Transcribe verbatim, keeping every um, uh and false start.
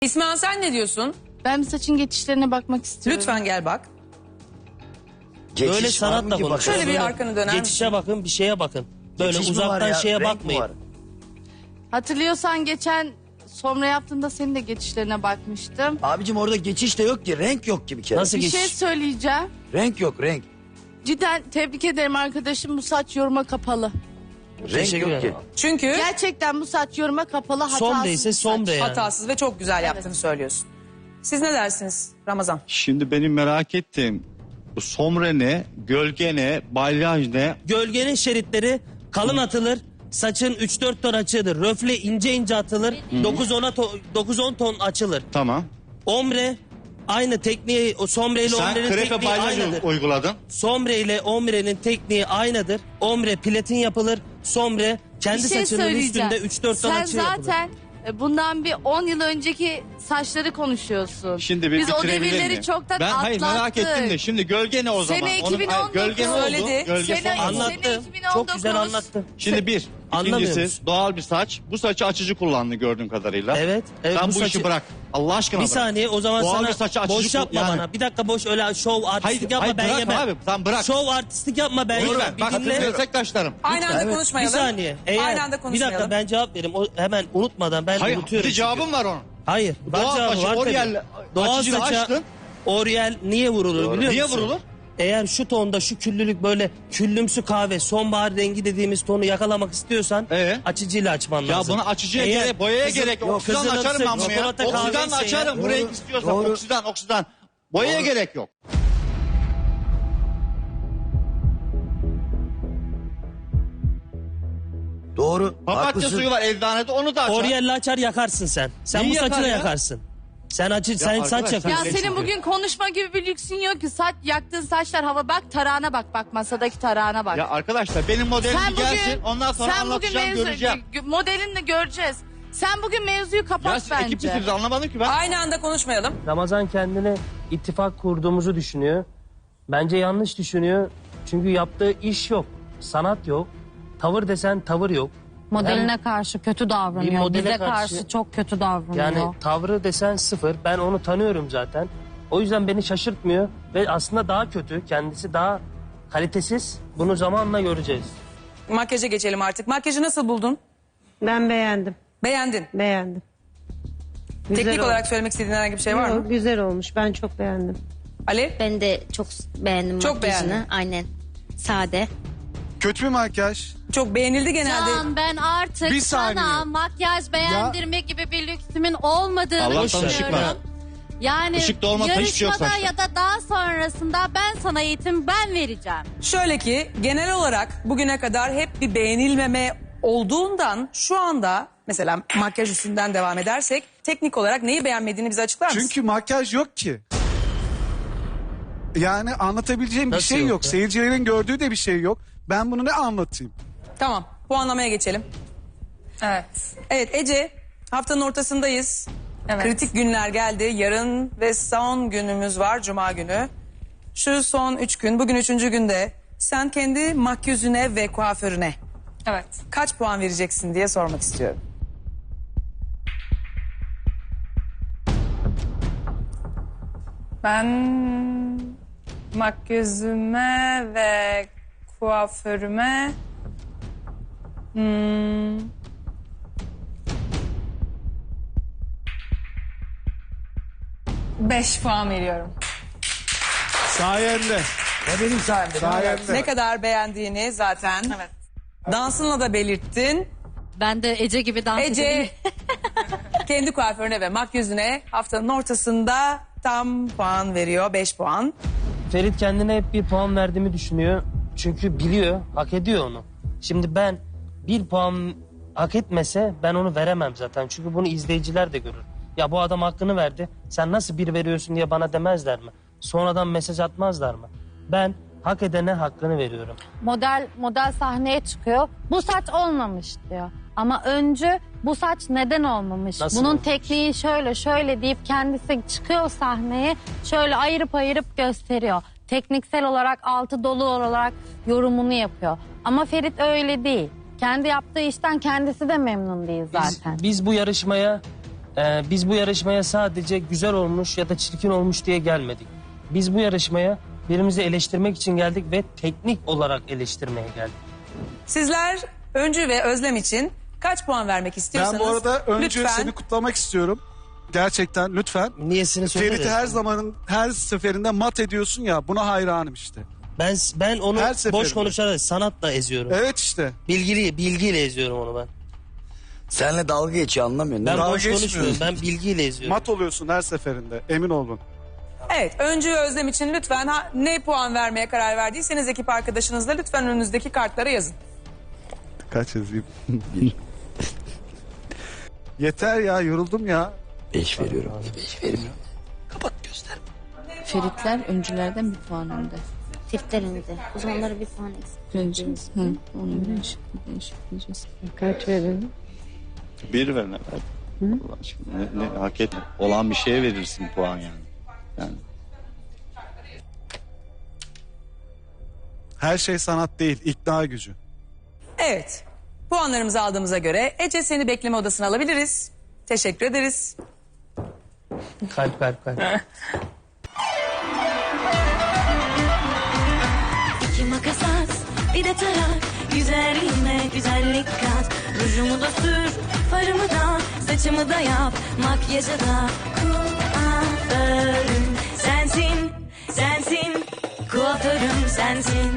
İsmail sen ne diyorsun? Ben bir saçın geçişlerine bakmak istiyorum. Lütfen gel bak. Geçiş Böyle var sanatla mı ki konuşun. bakalım? Şöyle bir arkanı döner Geçişe misin? bakın, bir şeye bakın. Böyle Geçiş mi var uzaktan ya? şeye Renk mi bakmayın. var? Hatırlıyorsan geçen somra yaptığında senin de geçişlerine bakmıştım. Abicim orada geçiş de yok ki. Renk yok ki bir kere. Nasıl Bir geçiş? şey söyleyeceğim. Renk yok renk. Cidden tebrik ederim arkadaşım, bu saç yoruma kapalı. Renk Teşekkür yok ki. ederim. Çünkü Gerçekten bu saç yoruma kapalı, hatasız Sombre bir ise saç. sombre yani. hatasız ve çok güzel yaptığını söylüyorsun. Siz ne dersiniz Ramazan? Şimdi benim merak ettiğim bu sombre ne, gölge ne, balyaj ne? Gölgenin şeritleri kalın atılır. Saçın üç dört ton açılır. Röfle ince ince atılır. dokuz on ton açılır. Tamam. Ombre aynı tekniği, o sombre ile Sen ombrenin krepe tekniği balyaj aynıdır. uyguladın. Sombre ile ombrenin tekniği aynıdır. Ombre platin yapılır. Sombre kendi Bir şey saçının söyleyeceğim. üstünde üç dört ton Sen açı yapılır. zaten e, bundan bir on yıl önceki saçları konuşuyorsun. Şimdi bir Biz o bitirebilir devirleri miyim? çoktan Ben atlattık. hayır merak ettim de şimdi gölge ne o zaman? Sene Onun- iki bin on hayır, dokuz gölge ne oldu? söyledi. Gölge Sene- son oldu. Sene Anlattı. iki bin on dokuz. Çok güzel anlattı. Şimdi bir, Anlamıyor ikincisi musun? doğal bir saç. Bu saçı açıcı kullandı gördüğüm kadarıyla. Evet. evet Sen bu, saçı- işi bırak. Allah aşkına Bir bırak. saniye o zaman Doğal bir sana saçı açıcı boş yapma kul- yani- bana. Bir dakika boş öyle şov artistlik Hayır, yapma hayır, ben bırak yemem. abi, sen bırak. Şov artistlik yapma ben Lütfen, yemem. bak Bir dinle. meslektaşlarım. Aynı anda Evet. Bir konuşmayalım. saniye. Eğer, Aynı anda bir konuşmayalım. dakika ben cevap vereyim. O, hemen unutmadan ben Hayır, unutuyorum. bir cevabım çünkü. var onun. Hayır. var Doğal cevabı saçı var tabii. Oriel Doğal açıcıyla saça açtın. Oriel niye vurulur biliyor Niye musun? vurulur? Eğer şu tonda şu küllülük böyle küllümsü kahve sonbahar rengi dediğimiz tonu yakalamak istiyorsan Ee? açıcıyla açman Ya lazım. bunu açıcıya Eğer gerek, boyaya kızıl- gerek yok. Oksidan kızılımsı açarım ben bunu ya. çikolata Oksidan kahveyse açarım bu Doğru, renk istiyorsan. doğru. Oksidan, oksidan. Boyaya Doğru. gerek yok. Doğru. Papatya haklısın. suyu var eczanede onu da açar. Oriel'le açar yakarsın sen. Sen Neyi bu saçı yakar da ya? yakarsın. Sen açı sen arkadaş, saç sen- yakıyorsun. Ya senin bugün konuşma gibi bir lüksün yok ki. Saç yaktığın saçlar hava, bak tarağına bak, bak masadaki tarağına bak. Ya arkadaşlar benim modelim sen gelsin ondan sonra sen bugün anlatacağım mevzu, göreceğim. gö- modelini göreceğiz. Sen bugün mevzuyu Ya kapat siz bence. ekip misiniz anlamadım ki ben. Aynı anda konuşmayalım. Ramazan kendine ittifak kurduğumuzu düşünüyor. Bence yanlış düşünüyor. Çünkü yaptığı iş yok. Sanat yok. Tavır desen tavır yok. Modeline karşı kötü Bir davranıyor. modele Bize karşı- karşı çok kötü davranıyor. Yani tavrı desen sıfır. Ben onu tanıyorum zaten. O yüzden beni şaşırtmıyor. Ve aslında daha kötü. Kendisi daha kalitesiz. Bunu zamanla göreceğiz. Makyaja geçelim artık. Makyajı nasıl buldun? Ben beğendim. Beğendin. Beğendim. Güzel Teknik olmuş. olarak söylemek istediğin herhangi bir şey var mı? Yok, güzel olmuş. Ben çok beğendim. Ali? Ben de çok beğendim Çok makyajını. beğendim. Aynen. Sade. Kötü bir makyaj. Çok beğenildi genelde. Can, ben artık Bir sana saniye. makyaj beğendirme gibi bir lüksümün olmadığını Allah'tan ışık düşünüyorum. var. Yani Işık da olmasa hiçbir şey yok yarışmada saçta. ya da daha sonrasında ben sana eğitim ben vereceğim. Şöyle ki genel olarak bugüne kadar hep bir beğenilmeme olduğundan şu anda mesela makyaj üstünden devam edersek teknik olarak neyi beğenmediğini bize açıklar mısın? Çünkü makyaj yok ki. Yani anlatabileceğim bir Nasıl şey yok yok. ya? Seyircilerin gördüğü de bir şey yok. Ben bunu ne anlatayım? Tamam, puanlamaya geçelim. Evet. Evet Ece, haftanın ortasındayız. Evet. Kritik günler geldi. Yarın ve son günümüz var, Cuma günü. Şu son üç gün, bugün üçüncü günde sen kendi makyözüne ve kuaförüne Evet. kaç puan vereceksin diye sormak istiyorum. Ben makyözüme ve kuaförüme hmm, beş puan veriyorum. Sayende. Ne benim sayemde. Sayende. Ne kadar beğendiğini zaten Evet. dansınla da belirttin. Ben de Ece gibi dans Ece edeyim. kendi kuaförüne ve makyözüne haftanın ortasında tam puan veriyor, beş puan. Ferit kendine hep bir puan verdiğimi düşünüyor. Çünkü biliyor, hak ediyor onu. Şimdi ben bir puan hak etmese ben onu veremem zaten. Çünkü bunu izleyiciler de görür. Ya bu adam hakkını verdi. Sen nasıl bir veriyorsun diye bana demezler mi? Sonradan mesaj atmazlar mı? Ben hak edene hakkını veriyorum. Model model sahneye çıkıyor. Bu saç olmamış diyor. Ama öncü bu saç neden olmamış? Nasıl Bunun olmamış? tekniği şöyle şöyle deyip kendisi çıkıyor sahneye. Şöyle ayırıp ayırıp gösteriyor. Tekniksel olarak altı dolu olarak yorumunu yapıyor. Ama Ferit öyle değil. Kendi yaptığı işten kendisi de memnun değil Biz, zaten. biz bu yarışmaya Ee, biz bu yarışmaya sadece güzel olmuş ya da çirkin olmuş diye gelmedik. Biz bu yarışmaya birimizi eleştirmek için geldik ve teknik olarak eleştirmeye geldik. Sizler Öncü ve Özlem için kaç puan vermek istiyorsanız Ben bu arada önce lütfen seni kutlamak istiyorum. Gerçekten lütfen. Niyesini söyleriz. Ferit'i her zamanın her seferinde mat ediyorsun ya, buna hayranım işte. Ben ben onu Her boş seferinde. konuşarak sanatla eziyorum. Evet işte. Bilgili bilgiyle eziyorum onu ben. Seninle dalga geçiyor, anlamıyorsun. Ben değil mi? boş geçmiyorum. konuşmuyorum. Ben bilgiyle eziyorum. Mat oluyorsun her seferinde, emin olun. evet Öncü ve Özlem için lütfen ha, ne puan vermeye karar verdiyseniz ekip arkadaşınızla lütfen önünüzdeki kartlara yazın. Kaç yazayım? Yeter ya, yoruldum ya. Beş veriyorum. Beş veriyorum. Kapat göster. Feritler öncülerden bir puan önde. Feritler önde. O zaman onlara bir puan eksik. Öncü. Hı, onu değişik, değişikleyeceğiz. Kaç verelim? Bir ver ne ver. Allah aşkına, ne, ne, hak etme. Olan bir şeye verirsin puan yani. Yani Her şey sanat değil, ikna gücü. Evet puanlarımızı aldığımıza göre Ece seni bekleme odasına alabiliriz. Teşekkür ederiz. Kalp kalp kalp. İki makas at, bir de tarak. Güzelliğime güzellik kat. Rujumu da sür, farımı da, saçımı da yap. Makyajı da kuaförüm sensin, sensin. Kuaförüm sensin.